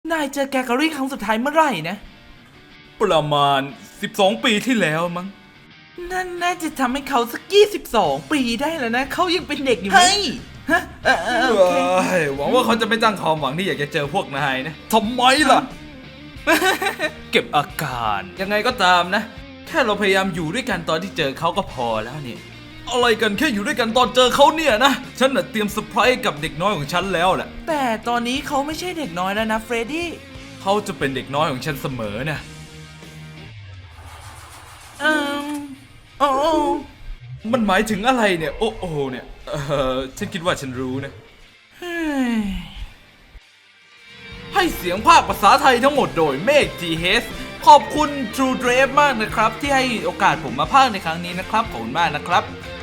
นายเจอแกกอรี่ครั้งสุดท้ายเมื่อไหร่นะประมาณ12 ปีที่แล้วมั้งนั่นน่าจะทำให้เขาสัก22 ปีได้แล้วนะเขายังเป็นเด็กอยู่ไหมฮะโอเคหวังว่าเขาจะไม่ตั้งความหวังที่อยากจะเจอพวกนายนะทำไมล่ะ เก็บอาการยังไงก็ตามนะแค่เราพยายามอยู่ด้วยกันตอนที่เจอเขาก็พอแล้วเนี่ยอะไรกันแค่อยู่ด้วยกันตอนเจอเขาเนี่ยนะฉันน่ะเตรียมเซอร์ไพรส์กับเด็กน้อยของฉันแล้วแหละแต่ตอนนี้เขาไม่ใช่เด็กน้อยแล้วนะเฟรดดี้เขาจะเป็นเด็กน้อยของฉันเสมอนะโอ้มันหมายถึงอะไรเนี่ยโอ้โอเนี่ยฉันคิดว่าฉันรู้นะให้เสียงภาคภาษาไทยทั้งหมดโดยเมฆ GH ขอบคุณ True Drive มากนะครับที่ให้โอกาสผมมาพากย์ในครั้งนี้นะครับขอบคุณมากนะครับ